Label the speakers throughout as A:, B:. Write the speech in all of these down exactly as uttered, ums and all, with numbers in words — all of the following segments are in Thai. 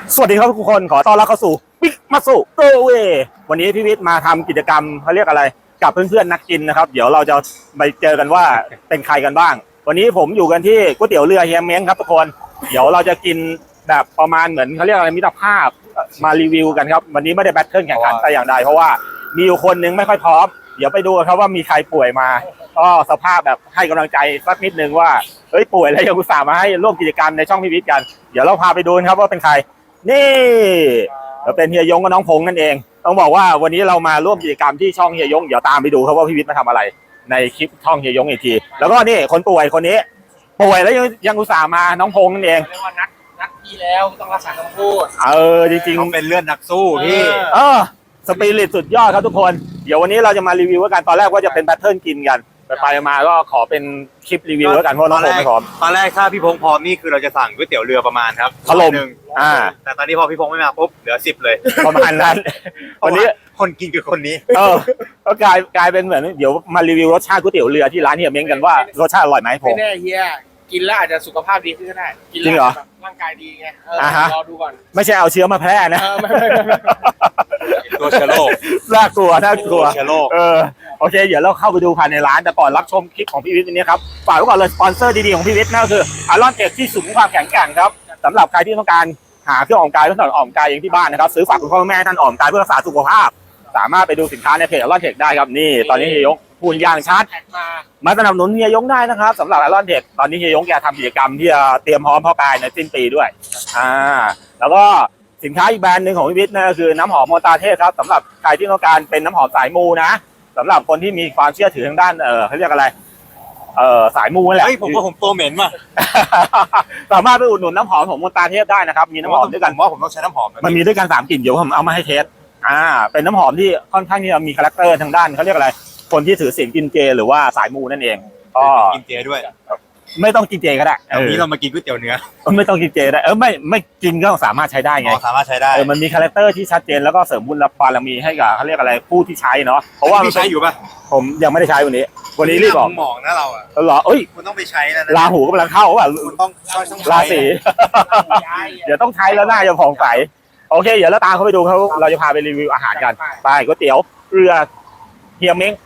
A: สวัสดีครับทุกคนขอต้อนรับเข้าสู่บิ๊กมาสุโกเววันนี้พี่วิทย์มาทำกิจกรรมเขาเรียกอะไรกับเพื่อนๆนักกินนะครับเดี๋ยวเราจะไปเจอกันว่าเป็นใครกันบ้างวันนี้ผมอยู่กันที่ก๋วยเตี๋ยวเรือเฮียเม้งครับทุกคนเดี๋ยวเราจะกินแบบประมาณเหมือนเขาเรียกอะไรมิตรภาพมารีวิวกันครับวันนี้ไม่ได้แบทเทิลแข่งขันแต่อย่างใดเพราะว่ามีอยู่คนนึงไม่ค่อยพร้อมเดี๋ยวไปดูครับว่ามีใครป่วยมาก็สภาพแบบให้กำลังใจสักนิดนึงว่าเฮ้ยป่วยแล้วยังอุตส่าห์มาให้ร่วมกิจกรรมในช่องพี่วิทย์กันเดี๋ยวเราพาไปดูครับว่าเป็นใครนี่เราเป็นเฮียยงกับน้องพงษ์นั่นเองต้องบอกว่าวันนี้เรามาร่วมกิจกรรมที่ช่องเฮียยงเดี๋ยวตามไปดูครับว่าพี่วิทย์มาทำอะไรในคลิปช่องเฮียยงอีกทีแล้วก็นี่คนป่วยคนนี้ป่วยแล้วยังยังอุตส่าห์มาน้องพงษ์นั่นเอง
B: เรียกว่านัดนัดพี่แล้วต้องรักษาคำพูด
A: เออจริงๆ
C: เขาเป็นเลือดนักสู้พี่
A: เออสปิริตสุดยอดครับทุกคนเดี๋ยววันนี้เราจะมารีวิวกันตอนแรกว่าจะเป็นแพทเทิร์นกินกันไปไปมาก็ขอเป็นคลิปรีวิวแล้วกันเพราะน้องพงษ์ไม่พร้อม
C: ตอนแรกถ้าพี่พงษ์พร้อมนี่คือเราจะสั่งก๋วยเตี๋ยวเรือประมาณครับ
A: ถล่ม
C: หนึ่ง
A: อ่า
C: แต่ตอนนี้พอพี่พงษ์ไม่มาปุ๊บเหลือสิบเลย
A: ประมาณนั้นวันนี้
C: คนกินคือคนนี้
A: เออก็กลายกลายเป็นเหมือนเดี๋ยวมารีวิวรสชาติก๋วยเตี๋ยวเรือที่ร้านเฮียเม้งกันว่ารสชาติอร่อยไหมผม
B: ไม่แน่เฮียกินแล้วอาจจะสุขภาพดีขึ้นก็ได้กินแล้วร่างกายดีไงเออรอดูก่อน
A: ไม่ใช่เอาเชื้อมาแพร่นะ
B: ไม่ไม่ไม่
C: ตัวเชื้อโรค
A: น่ากลัวน่ากลัว
C: เชื้อโรค
A: เออโอเคเดี๋ยวเราเข้าไปดูภายในร้านแต่ก่อนรับชมคลิปของพี่วิทย์นี้ครับฝากไว้ก่อนเลยสปอนเซอร์ดีๆของพี่วิทย์นั่นก็คืออารอนเทคที่สูงความแข็งแกร่งครับสำหรับใครที่ต้องการหาเครื่องออกกำลังกายเพื่อถนอมออกกำลังกายเองที่บ้านนะครับซื้อฝากคุณพ่อแม่ท่านออกกำลังกายเพื่อรักษาสุขภาพสามารถไปดูสินค้าในเพจอารอนเทคได้ครับนี่ตอนนี้เฮียยงพูดอย่างชัดมาสนับสนุนเฮียยงได้นะครับสำหรับอารอนเทคตอนนี้เฮียยงแกทำกิจกรรมที่จะเตรียมพร้อมพ่อกายในสิ้นปีด้วยอ่าแล้วก็สินค้าอีกแบรนด์หนึ่งของพี่วิทย์นั่นก็คือน้ำหอมโมตาเทพครับสำหรับใครที่ต้องการเป็นน้ำหอมสายมูนะสำหรับคนที่มีความเชื่อถือทางด้านเออเขาเรียกอะไรเออสายมูนั่นแหละ
C: เฮ้ยผมว่าผมตัวเหม็นว่ะ
A: สามารถไปอุดหนุนน้ำหอมของโมตาเทพได้นะครับมีน้ำหอมด้วยกัน
C: ว่าผมต้องใช้น้ำหอม
A: มันมีด้วยกันสามกลิ่นเดี๋ยวผมเอามาให้เทสอ่าเป็นน้ำหอมที่ค่อนข้างที่จะมีคาแรคเตอร์ทางด้านเขาเรียกอะไรคนที่ถือศีลกินเจหรือว่าสายมูนั่นเองก็
C: กินเจด้วย
A: ไม่ต้องกินเจก็ได้
C: วันนี้เรามากินก๋วยเตี๋ยวเนื้อ
A: ไม่ต้องกินเจได้เออไม่ไม่กินก็สามารถใช้ได้ไง
C: สามารถใช้ได้
A: เออมันมีคาแรคเตอร์ที่ชัดเจนแล้วก็เสริมบุญบารมีให้กับเขาเรียกอะไรผู้ที่ใช้เนาะเพราะว่า
C: พี่ใช้อยู่ป่ะ
A: ผมยังไม่ได้ใช้วันนี้วันนี้รีบบอก
C: หมองนะเราอ่ะ
A: เหรอเอ้ย
C: คุณต้องไปใช้แล้ว
A: ราหูกำลังเข้าป่ะ
C: คุณต้อง
A: ราศีเดี๋ยวต้องใช้แล้วหน้าจะผ่องใสโอเคเดี๋ยวเราตามเขาไปดูเขาเราจะพาไปรีวิวอาหารกันไปก๋วยเตี๋ยวเรือเฮียเม้ง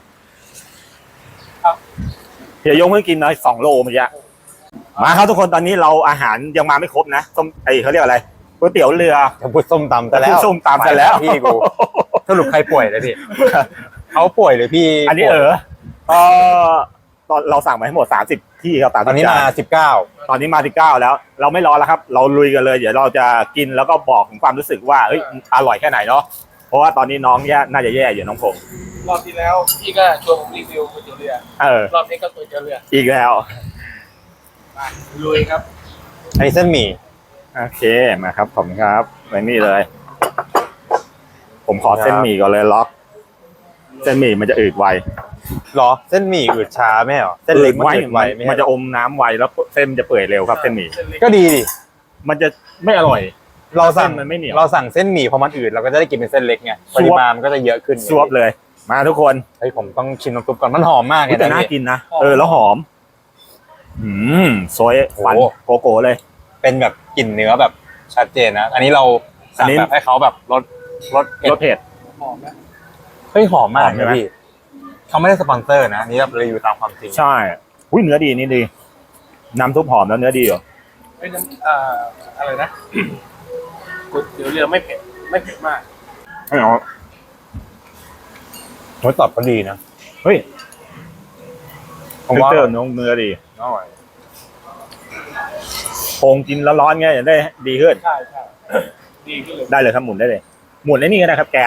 A: เฮียยงเพิ่งกินมาสองโลเมื่อกี้มาครับทุกคนตอนนี้เราอาหารยังมาไม่ครบนะส้มไอเขาเรียกอะไรก๋วยเตี๋ยวเรือ
C: จะพูดส้มตำแต่แล้ว
A: ส้มตำแต่แล้ว
C: พี่กูสรุปใครป่วยเลยพี่เขาป่วยหรือพี่
A: อันนี้เออเออตอนเราสั่งมาให้หมดสามสิบที่ครับ
C: ตอนนี้มาสิบเก้า
A: ตอนนี้มาสิบเก้าแล้วเราไม่รอแล้วครับเราลุยกันเลยเดี๋ยวเราจะกินแล้วก็บอกถึงความรู้สึกว่าเฮ้ยอร่อยแค่ไหนเนาะเพราะว่าตอนนี้น้องแย่น่าจะแย่อยู่น้องพงษ์
B: รอบที่แล้วพี่ก็ชวนผมรีวิวก๋วยเตี๋ยวเรือ
A: เออ
B: รอบนี้ก็ก๋วยเตี๋ยวเรือ
A: อีกแล้ว
B: ลุยครับ
C: อันนี้เส้นหมี่
A: โอเคมาครับผมครับไว้นี่เลยผมขอเส้นหมี่ก่อนเลยล็อกเส้นหมี่มันจะอืดไว
C: หรอเส้นหมี่อืดช้าไหมหรอเส้นเล็กมันอืดไว
A: มันจะอมน้ำไวแล้วเส้นจะเปื่อยเร็วครับเส้นหมี่
C: ก็ดีดิ
A: มันจะไม่อร่อย
C: เราสั่ง
A: มันไม่เหนียว
C: เราสั่งเส้นหมี่พอมันอืดเราก็จะได้กินเป็นเส้นเล็กไงปริมาณมันก็จะเยอะขึ้น
A: ซวบเลยมาทุกคน
C: เฮ้ยผมต้องชิมน้ำซุปก่อนมันหอมมากเลย
A: แต่น่ากินนะเออแล้วหอมอืมซอยฟันโกโก้เลย
C: เป็นแบบกลิ่นเนื้อแบบชัดเจนนะอันนี้เราสั่งแบบให้เขาแบบรสรส
A: รสเผ็ด
B: หอมนะ
C: เฮ้ยหอมมากเลยพี่เขาไม่ได้สปอนเซอร์นะนี่เรารีวิวตามความจริง
A: ใช่อุ้ยเนื้อดีนี่ดีน้ำซุปหอมแล้วเนื้อดีเหรอ
B: เป็นน้ำอ่าอะไรนะก๋วยเตี๋ยวเรือไม่เผ็ดไม่เผ็ดมาก
A: ไม่เอา
C: รสตอบก็ดีนะ
A: เฮ้ยผมว่าเนื้อเนื้อดีอร่อยโคงกินแล้วร้อนไงจะได้ดีขึ้น
B: ใช่ใช่ดีขึ้นเลย
A: ได้เลยครับหมุนได้เลยหมุนไอ้นี่ก็ได้ครับแกน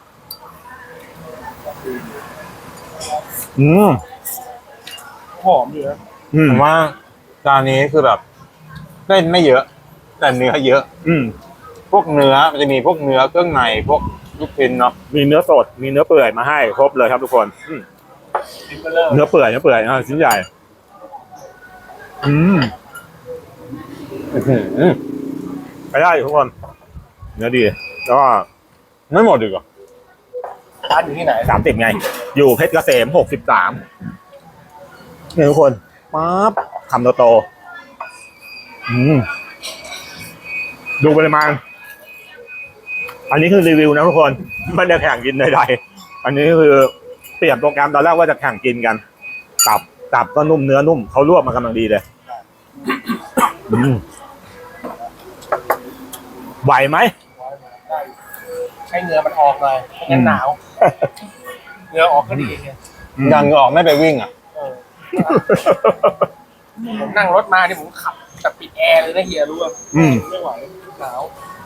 A: อืม
B: หอมดีนะ
C: ผมว่าจานนี้คือแบบเส้นไม่เยอะแต่เนื้อเยอะ
A: อืม
C: พวกเนื้อมันจะมีพวกเนื้อเครื่องในพวกลูกชิ้นเนาะ
A: มีเนื้อสดมีเนื้อเปื่อยมาให้ครบเลยครับทุกคนเนื้อเปื่อยเนื้อเปื่อยอ่าชิ้นใหญ่อืมไปได้ทุกคนเนื้อดีแล้วก็
C: ไม่หมดดีกว่า
B: ร้านอยู่ที่ไหน
A: สามสิบไงอยู่เพชรเกษมหกสิบสามเนี่ยทุกคนปั๊บคำโตๆอืมดูปริมาณอันนี้คือรีวิวนะทุกคนไม่ได้แข่งกินใดๆอันนี้คือเปลี่ยนโปรแกรมตอนแรกว่าจะแข่งกินกันตับตับก็นุ่มเนื้อนุ่มเขาลวกมากำลังดีเลยอืมไหวไหม
B: ได้ให้เนื้อมันออกหน่อยไม่งั้นหนาวเนื้อออกก็ดีไง
C: ยังออกไม่ไปวิ่งอ่ะ
B: เออผมนั่งรถมาเนี่ยผมขับแต่ปิดแอร์เลยนะเฮียรู้ป่ะ
A: อืม
B: ไม่ไหวหนาว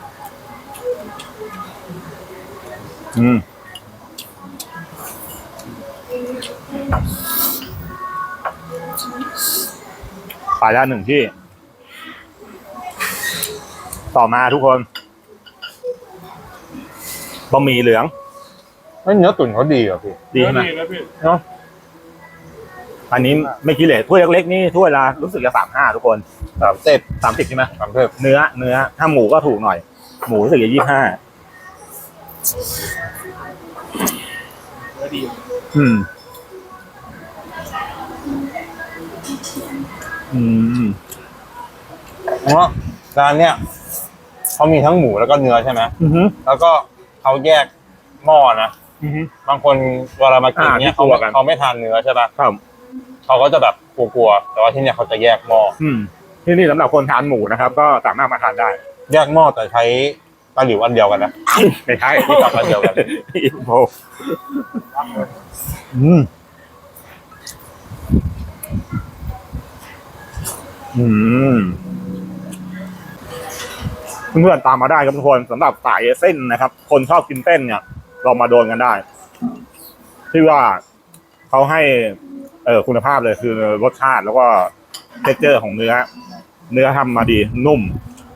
A: อืมไปแล้วหนึ่งที่ ต่อมาทุกคนบะหมี่เหลือง
C: เฮ้ยเนื้อตุ๋นเขาดีอ่ะพี่
A: ดีใช่ไหม
B: นะพี่
C: เนาะ
A: อันนี้ไม่คิดเลยถ้วยเล็กๆนี่ถ้วยละรู้สึกจะสามห้าทุกคน
C: สามเจ็ด
A: สามสิบใช่ไหม
C: สามเจ็ด
A: เนื้อเนื้อถ้าหมูก็ถูกหน่อย หมูรู้สึกจะยี่ห้า
B: เนื้อดี
A: อืม อืม
C: เพราะร้านเนี้ยเขามีทั้งหมูแล้วก็เนื้อใช่ไหม
A: อือฮึ
C: แล้วก็เขาแยกหม้อนะ
A: อือฮึ
C: บางคนเวลามากิน
A: อ่า
C: เนี้ย
A: ที่
C: เขา
A: กลัวกัน
C: เขาไม่ทานเนื้อใช่ป่ะ
A: ครับ
C: เขาก็จะแบบกลัวๆแต่ว่าที่เนี้ยเขาจะแยกหม้อ
A: อืม ที่นี่สำหรับคนทานหมูนะครับ ก็สามารถมาทานได้
C: แยกหม้อแต่ใช้ตะหลิวอันเดียวกันนะ
A: ไม่ใช่
C: ที่ตับอันเดียวกัน
A: อินโฟอืม อืม เพื่อนๆตามมาได้ครับทุกคนสำหรับสายเส้นนะครับ คนชอบกินเส้นเนี่ยเรามาโดนกันได้ ที่ว่าเขาให้ เออคุณภาพเลยคือรสชาติแล้วก็เท็กเจอร์ของเนื้อ เนื้อทำมาดีนุ่ม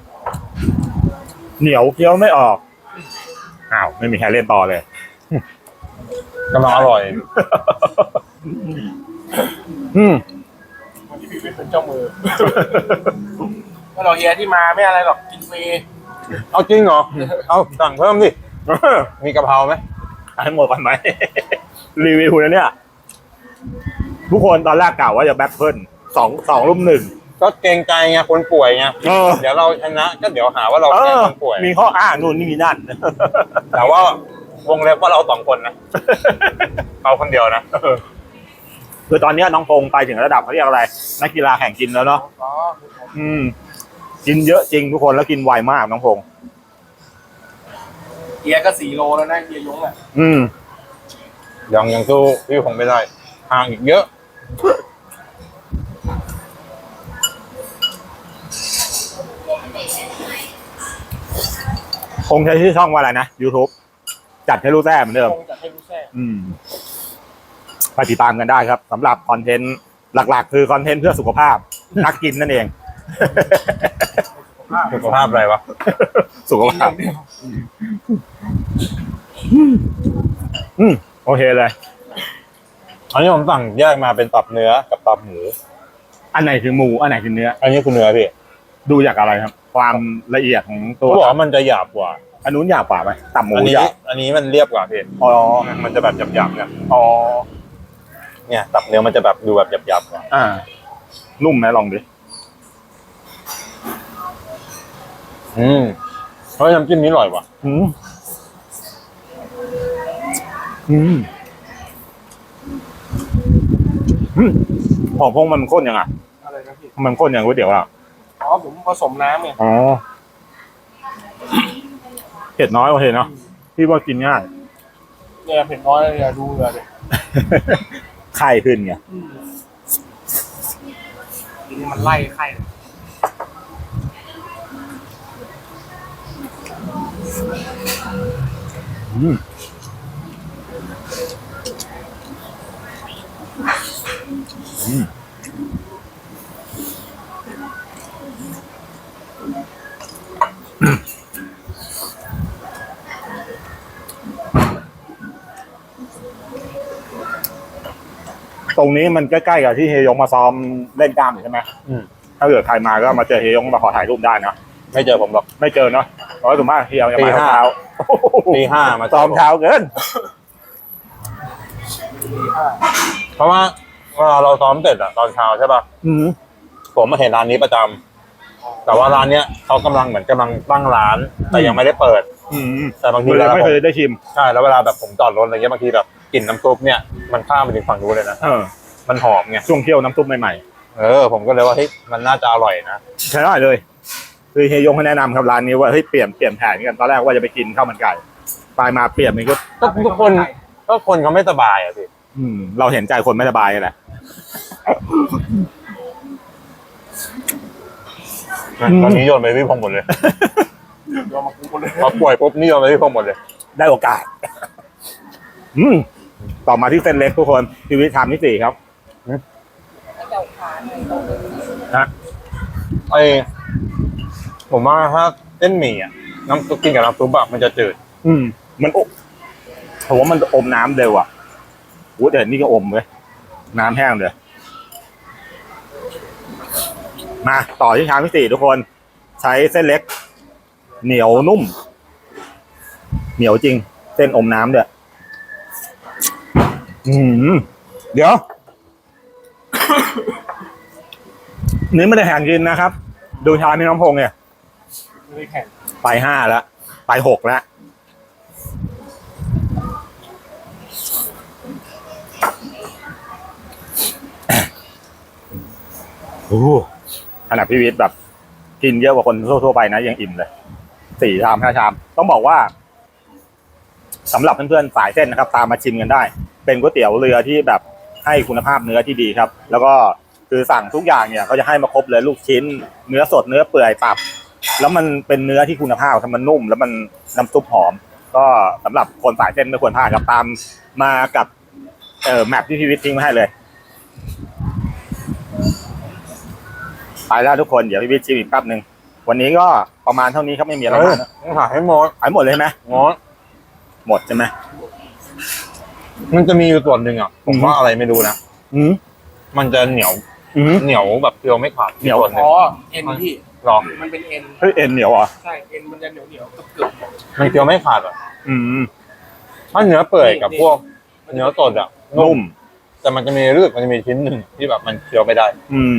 A: เหนียวเคี้ยวไม่ออกอ้าวไม่มีใครเล่นต่อเลย
C: กำลังอร่อย
A: อืม
B: วันที่พี่วิทย์เป็นเจ้ามือก็เราเฮียที่มาไม่อะไรหรอกกินฟรี
C: เอาจริงเหรอ เอาสั่งเพิ่มดิ มีกะเพราไหม
A: ให้หมดก่อนไหม รีวิวนะเนี่ย ทุกคนตอนแรกกล่าวว่าจะแบทเทิลสองสองรุ่มหนึ่ง
C: ก็เกรงใจไงคนป่วยไง
A: เออ
C: เดี๋ยวเราชนะก็เดี๋ยวหาว่าเรา
A: เอ
C: แกล้ง
A: อ
C: คนป่วย
A: มีข้ออ้างนู่นนี่นั่น
C: แต่ว่าวงเล็บว่าเราสองคนนะเขาคนเดียวนะ
A: คือตอนเนี้ยน้องพงษ์ไปถึงระดับเขาเรียกอะไร นักกีฬาแข่งกินแล้วเนาะ
B: อ๋อ
A: อืม กินเยอะจริงทุกคนแล้วกินไวมากน้องพงษ์
B: เฮียก็สี่โลแล้วนะเฮียยงอ่ะ
A: อืม
C: ยังยังสู้พี่คงไม่ได้ห่างอีกเยอะ
A: คงใช้ชื่อช่องว่าอะไรนะ YouTube จัดให้รู้แท้เหมือนเดิม
B: คงจะให้รู้แท้
A: อืมไปติดตามกันได้ครับสำหรับคอนเทนต์หลักๆ คือคอนเทนต์เพื่อสุขภาพ นักกินนั่นเอง
C: สุขภาพอะไรวะ
A: สุขภาพ อืมโอเคเลย
C: อันนี้ผมสั่งแยกมาเป็นตับเนื้อกับตับหมู
A: อันไหนคือหมูอันไหนคือเนื้อ
C: อันนี้คือเนื้อพี่
A: ดูจากอะไรครับ ความละเอียดของตัว
C: เขาบอกว่ามันจะหยาบกว่า
A: อันนู้นหยาบกว่าไหมตับหมู
C: อันนี้
A: หยาบ
C: อันนี้มันเรียบกว่าพี่
A: อ๋อ
C: มันจะแบบหยาบๆเนี่ย
A: อ๋อ
C: เนี่ยตับเนื้อมันจะแบบดูแบบหยาบๆกว่า
A: อ่า นุ่มไหมลองดิ
C: อืมเพราะน้ำจิ้มนี้อร่อยว่ะ
A: อืมอืมอืมของพงมันข้นยังไง
B: อะไรนะพี่
A: มันข้นอย่างก๋วยเตี๋ยวอ่ะ
B: อ๋อผมผสมน้ำไง
A: อ๋อเผ็ดน้อยโอเคเนาะพี่ว่ากินง่าย
B: เนี่ยเผ็ดน้อยเลยเนี่ยดูเลย
A: ไข่ขึ้นไง
B: ทีนี้มันไล่ไข่
A: อืมอืมตรงนี้มันใกล้ๆกับที่เฮยงมาซ้อมเล่นกล้ามอยู่ใช่ไหม
C: อืม
A: ถ้าเกิดใครมาก็มาเจอเฮยงมาขอถ่ายรูปได้นะ
C: ไม่เจอผมหรอก
A: ไม่เจอเนาะเพราะว่าส่วนมากเฮียจะ
C: ตี
A: มา
C: ห้า
A: เช้า
C: ตีห้ามา
A: ซ้อมเช้าเกิน
C: เพราะว่าเวลาเราซ้อมเสร็จอะตอนเช้าใช่ป่ะ
A: อืม
C: ผมมาเห็นร้านนี้ประจำแต่ว่าร้านเนี้ยเขากำลังเหมือนกำลังตั้งร้าน แต่ยังไม่ได้เปิด
A: อืม
C: แต่บางที
A: เล
C: เวย ลา
A: ไม่
C: ผม
A: เคยได้ชิม
C: ใช่แล้วเวลาแบบผมจอดรถอะไรเงี้ยบางทีแบบกลิ่นน้ำซุปเนี่ยมันข้ามไปถึงฝั่งนู้นเลยนะ
A: เออ
C: มันหอมไง
A: ช่วงเที่ยวน้ำซุปใหม่
C: เออผมก็เลยว่าเฮ้ยมันน่าจะอร่อยนะ
A: ๆใช่ได้เลยคือเฮียยงเขาแนะนำครับร้านนี้ว่าเฮ้ยเปลี่ยนเปลี่ยนแผนกันตอนแรกว่าจะไปกินข้าวมันไก่ไปมาเปลี่ยนมันก็
C: ก็ทุกคนก็คนเขาไม่สบายอ่ะพี่
A: อืม เราเห็นใจคนไม่สบายแหละ อืม
C: ตอนนี้โยนไปพี่พงษ์หมดเลย
B: ยอมมาคุ้มคนเลย
C: พอป่วยปุ๊บนี่โยนไปพี่พงษ์หมดเลย
A: ได้โอกาส อืมต่อมาที่เส้นเล็กทุกคนชีวิตชามที่สี่ครับนะ
C: ไอผมว่าถ้าเส้นหมี่อ่ะน้ำซุปกินกับน้ำซุปแบบมันจะจืด
A: อืม มันอบผมว่ามันอมน้ำเร็วอ่ะโอ้แต่นี่ก็อมเลยน้ำแห้งเลยมาต่อที่ชามที่สี่ทุกคน ใช้เส้นเล็ก เหนียวนุ่ม เหนียวจริง เส้นอมน้ำเด้ออืมเดี๋ยว นี่ไม่ได้แข่งกินนะครับ ดูชามพี่น้ำพงษ์เนี่ย
B: ไม่ได้แข่ง
A: ไปห้าแล้ว ไปหกแล้ว โอ้โหขนาดพี่วิทย์แบบ กินเยอะกว่าคนทั่วๆไปนะยังอิ่มเลยสี่ชามห้าชาม ต้องบอกว่าสำหรับเพื่อนๆสายเส้นนะครับ ตามมาชิมกันได้ เป็นก๋วยเตี๋ยวเรือที่แบบให้คุณภาพเนื้อที่ดีครับ แล้วก็คือสั่งทุกอย่างเนี่ยเขาจะให้มาครบเลยลูกชิ้น เนื้อสดเนื้อเปื่อยตับ แล้วมันเป็นเนื้อที่คุณภาพครับมันนุ่ม แล้วมันน้ำซุปหอม ก็สำหรับคนสายเส้นไม่ควรพลาดครับตามมากับเอ่อแมปที่พี่วิทย์ทิ้งมาให้เลย ไปแล้วทุกคนเดี๋ยวพี่วิทย์ชิมอีกแป๊บหนึ่งวันนี้ก็ประมาณเท่านี้ครับไม่มีอะไร
C: เฮ้ย
A: มากนะ
C: ต้องหาให้หมด
A: ขายหมดเลยไหม
C: งอ
A: หมดใช่ไหม
C: มันจะมีอยู่ส่วนหนึ่งอ่ะผมว่าอะไรไม่รู้นะ
A: อืม
C: มันจะเหนียว
A: อืม
C: เหนียวแบบเคี้ยวไม่ขาด
A: เหนียว
C: ส่วนหนึ่
B: อ๋
C: ง
B: อเอ็นพี่
C: หรอ
B: มันเป็นเอ็น
A: เฮ้ยเอ็นเหนียวเหรอ่ะ
B: ใช่เอ็นมันจะเหนียวเหนียวๆเกือบเกือบ
C: มันเคี้ยวไม่ขาดอ่ะ
A: อืม
C: ถ้าเนื้อเปื่อยกับพวก
B: ๆ
C: เนื้อสดอ่ะ
A: นุ่ม
C: แต่มันจะมีรู้สึกมันจะมีชิ้นหนึ่งที่แบบมันเคี้ยวไม่ได้
A: อืม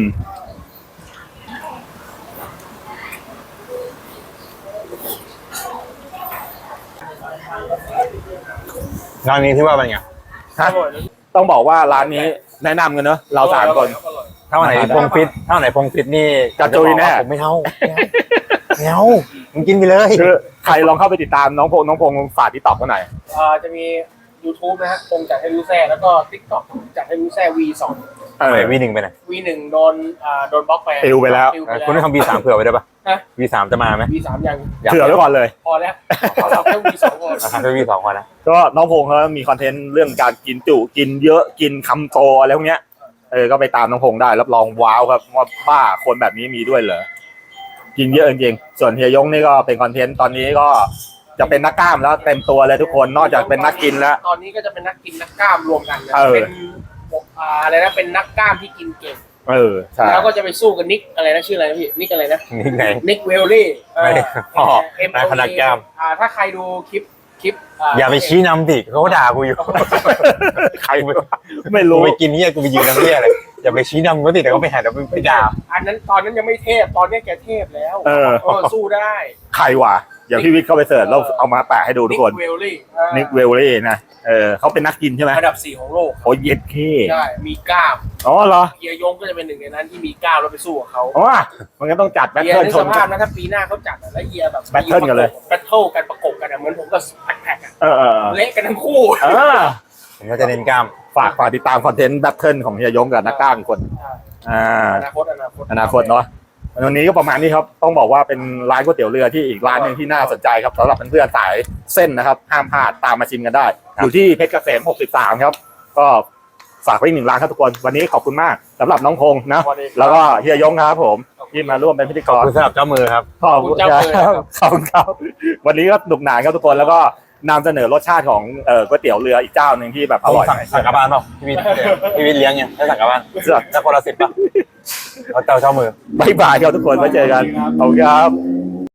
C: งานนี้ที่ว่าเป็นไง
A: ฮะ ต้องบอกว่าร้านนี้แนะนำกันเนอะเราสามคน
B: อร่อย
C: ถ้าวันไหนพงฟิตถ้าวันไหนพงฟิตนี่
A: กระจุยแน่
C: ผมไม่เอาไม่เอามึงกินไปเลย
A: คือใครลองเข้าไปติดตามน้องพงษ์น้องพงษ์ฝากที่ตอบกันหน่อย
B: เอ่อจะมี YouTube นะฮะคงจัดให้รู้แซ่แล้วก็ TikTok จัดให้รู้แซ่ วี สอง
A: เออ
C: วีหนึ่งไปไหน
B: วี หนึ่งโดนอ่าโดนบล็อกไป
A: ปิวไปแล้ว
B: ปิวไปแล้ว
C: คุณต้องทำวีสามเผื่อไว้ได้ปะ
B: ฮะ
C: วีสามจะมาไหม
B: วี สาม ยัง
C: อยาก
A: เผื่อไว้ก่อนเลย
B: พอแล้วเอาแค่ วี สองก่อน
C: ราคาแค่วีสองพอนะ
A: ก็น้องพงษ์เขามีคอนเทนต์เรื่องการกินจุกินเยอะกินคำโตอะไรพวกเนี้ยเออก็ไปตามน้องพงษ์ได้รับรองว้าวครับว่าบ้าคนแบบนี้มีด้วยเหรอกินเยอะจริงๆส่วนเฮียยงนี่ก็เป็นคอนเทนต์ตอนนี้ก็จะเป็นนักกล้ามแล้วเต็มตัวเลยทุกคนนอกจากเป็นนักกินแล้ว
B: ตอนนี้ก็จะเป็นนักกินนักกล้ามรวมกันนะ
A: เออ
B: เป็นอ่าอะไรนะเป็นนักกล้ามที่กินเก่ง
A: เออใช่
B: แล้วก็จะไปสู้กับนิกอะไรนะชื่ออะไรนะพี่นิกอะไรนะ
C: นี่ไง
B: นิกเวลลี่เออ
C: อ๋อ
B: เอ็ม
C: นายพนักกล้าม
B: อ่าถ้าใครดูคลิปคลิป
C: อย่าไปชี้นำดิเขาด่ากูอยู่
A: ใครไม่
C: กู
A: รู้
C: ไปกินเนี่ยกูไปยืนน้ำเนี่ยเลยอย่าไปชี้นำเขาดิแต่เขาไปหาเดี๋ยวไปด่า
B: อันนั้นตอนนั้นยังไม่เทพตอนนี้แกเทพแล้ว
A: เออ
B: เออสู้ได้
A: ใครวะเดี๋ยวพี่วิทย์เข้าไปเสิร์ชแล้วเอามาแปะให้ดูทุกคน
B: เวลลี่
A: นิกเวลลี่นะเออเขาเป็นนักกินใช่ไหม
B: อันดับสี่ของโลก
A: โอ้เย็ดเค
B: ใช่มีกล้าม
A: อ๋อเหรอ
B: เฮียยงก็จะเป็นหนึ่งในนั้นที่มีกล้ามแล้วไปสู้กับเขา
A: อ๋อมันก็ต้องจัดแบท
B: เฮีย
A: เทิล
B: ใน
A: ช
B: ส
A: น
B: ภาพนะถ้าปีหน้าเขาจัดอะแล้วเฮียแบบ
A: แบทเทิลกันเลย
B: แบทเทิลกันประกบกันอะเหมือนผมกับแพ็คๆอะ
A: เออเออ
B: เละกันทั้งคู่
A: เออ
C: ผมก็จะเน้นกล้าม
A: ฝากฝากติดตามคอนเทนต์แบทเทิลของเฮียยงกับนักกล้ามอีกคนอ่า
B: อนาคตอนาคต
A: อนาคตเนาะวันนี้ก็ประมาณนี้ครับต้องบอกว่าเป็นร้านก๋วยเตี๋ยวเรือที่อีกร้านหนึ่งที่น่าสนใจครับสำหรับเพื่อนๆสายเส้นนะครับห้ามพลาดตามมาชิมกันได้ อยู่ที่เพชรเกษมหกสิบสามครับก็ฝากไว้อีกหนึ่งร้านครับทุกคนวันนี้ขอบคุณมากสำหรับน้องพงษ์นะแล้วก็เฮียยงครับผมที่มาร่วมเป็นพิธีก
C: ขอบ
A: ร
C: คุณสำหรับเจ้ามือครับ
A: ขอบคุณครับขอบคุณครับวันนี้ก็หนุกหนานครับทุกคนแล้วก็นำเสนอรสชาติของเอ่อก๋วยเตี๋ยวเรืออีกเจ้าหนึ่งที่แบบอร่อย
C: สั่งสั่งกลับบ้านเปล่าพี่วิทย์พี่วิทย์เลี้ยงยังให้สั่งกลับบ้าน
A: เสื้อ
C: จะคนละสิบป่ะเขาเจ้าเจ้ามือ
A: บายบายครับทุกคนไว้เจอกันขอบคุณครับ